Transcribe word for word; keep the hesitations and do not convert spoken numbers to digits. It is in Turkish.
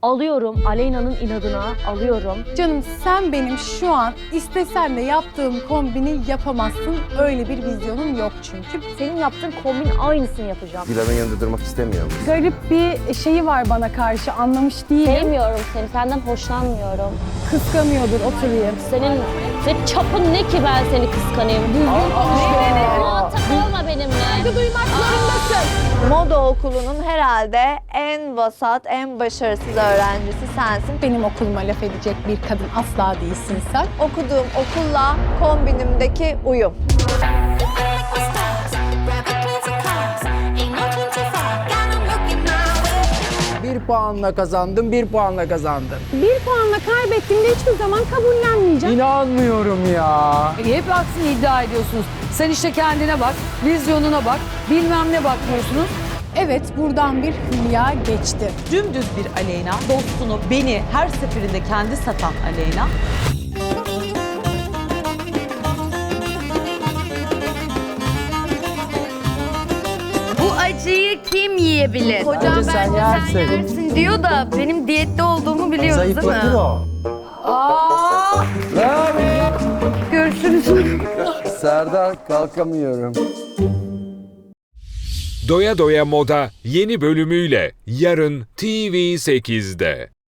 Alıyorum, Aleyna'nın inadına alıyorum. Canım sen benim şu an istesen de yaptığım kombini yapamazsın. Öyle bir vizyonum yok çünkü. Senin yaptığın kombin aynısını yapacağım. Dilan'ın yanında durmak istemiyorum. Garip bir şeyi var bana karşı, anlamış değilim. Sevmiyorum seni, senden hoşlanmıyorum. Kıskanıyordur, oturayım. Senin, senin çapın ne ki ben seni kıskanayım? Düzgün konuş. Muhatap olma benimle. Saygı duymak zorundasın. Moda okulunun herhalde en vasat, en başarısız öğrencisi sensin. Benim okuluma laf edecek bir kadın asla değilsin sen. Okuduğum okulla kombinimdeki uyum. Bir puanla kazandım, bir puanla kazandım. Bir puanla kaybettiğimde hiçbir zaman kabullenmeyeceğim. İnanmıyorum ya. Hep aksini iddia ediyorsunuz. Sen işte kendine bak, vizyonuna bak, bilmem ne bakmıyorsunuz. Evet, buradan bir hülya geçti. Dümdüz bir Aleyna, dostunu, beni her seferinde kendi satan Aleyna. Bu acıyı kim yiyebilir? Bence Hocam sen bence sen yersin. yersin diyor da benim diyette olduğumu biliyoruz değil Zayıflatır mi? o. Aa, görüşürüz. Serdar kalkamıyorum. Doya Doya Moda yeni bölümüyle yarın T V sekizde.